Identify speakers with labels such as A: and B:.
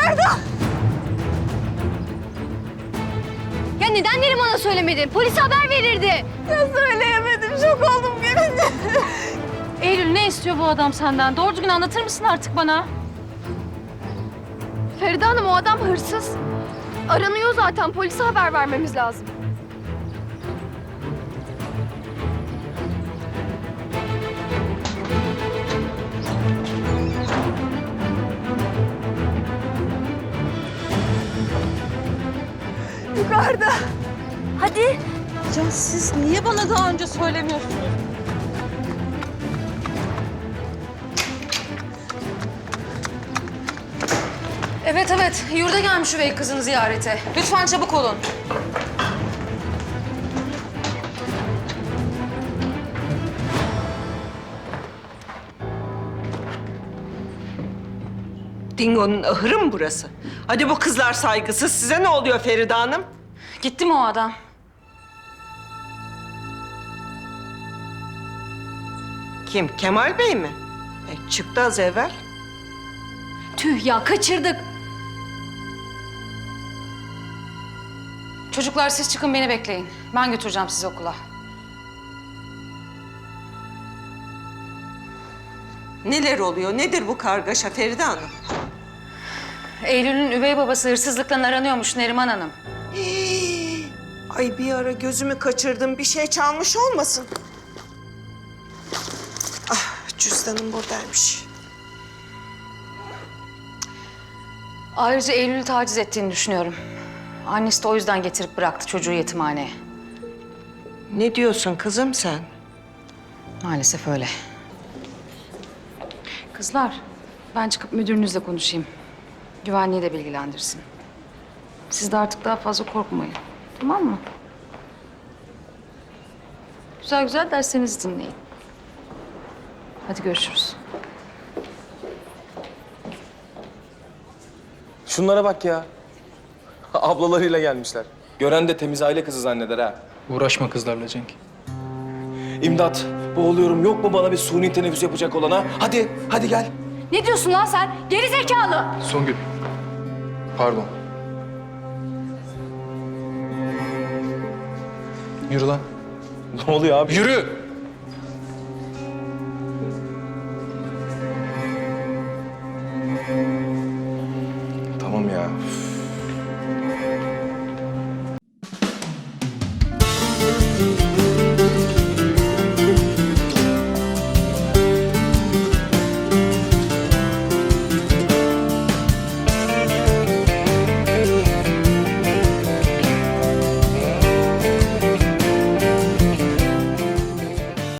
A: Ferda!
B: Ya neden Neriman'a söylemedin? Polise haber verirdi.
A: Ya söyleyemedim, şok oldum görünce.
C: Eylül, ne istiyor bu adam senden? Doğru düzgün anlatır mısın artık bana?
B: Feride Hanım, o adam hırsız. Aranıyor zaten. Polise haber vermemiz lazım.
A: Yukarıda.
B: Hadi.
C: Ya siz niye bana daha önce söylemiyorsunuz? Evet, yurda gelmiş üvey kızını ziyarete. Lütfen çabuk olun.
D: Dingo'nun ahırı mı burası? Hadi bu kızlar saygısız. Size ne oluyor Feride Hanım?
C: Gitti mi o adam?
D: Kim? Kemal Bey mi? Çıktı az evvel.
C: Tüh ya, kaçırdık. Çocuklar siz çıkın, beni bekleyin. Ben götüreceğim sizi okula.
D: Neler oluyor? Nedir bu kargaşa Feride Hanım?
C: Eylül'ün üvey babası hırsızlıkla aranıyormuş Neriman Hanım.
D: Ay bir ara gözümü kaçırdım. Bir şey çalmış olmasın? Ah, cüzdanım buradaymış.
C: Ayrıca Eylül'ü taciz ettiğini düşünüyorum. Annesi de o yüzden getirip bıraktı çocuğu yetimhaneye.
D: Ne diyorsun kızım sen?
C: Maalesef öyle. Kızlar, ben çıkıp müdürünüzle konuşayım. Güvenliği de bilgilendirsin. Siz de artık daha fazla korkmayın. Tamam mı? Güzel güzel derslerinizi dinleyin. Hadi görüşürüz.
E: Şunlara bak ya. Ablalarıyla gelmişler. Gören de temiz aile kızı zanneder ha.
F: Uğraşma kızlarla Cenk.
E: İmdat, boğuluyorum. Yok mu bana bir suni teneffüs yapacak olan ha? Hadi gel.
B: Ne diyorsun lan sen? Geri zekalı.
F: Songül. Pardon. Yürü lan.
E: Ne oluyor abi?
F: Yürü!
E: Tamam ya. Üf.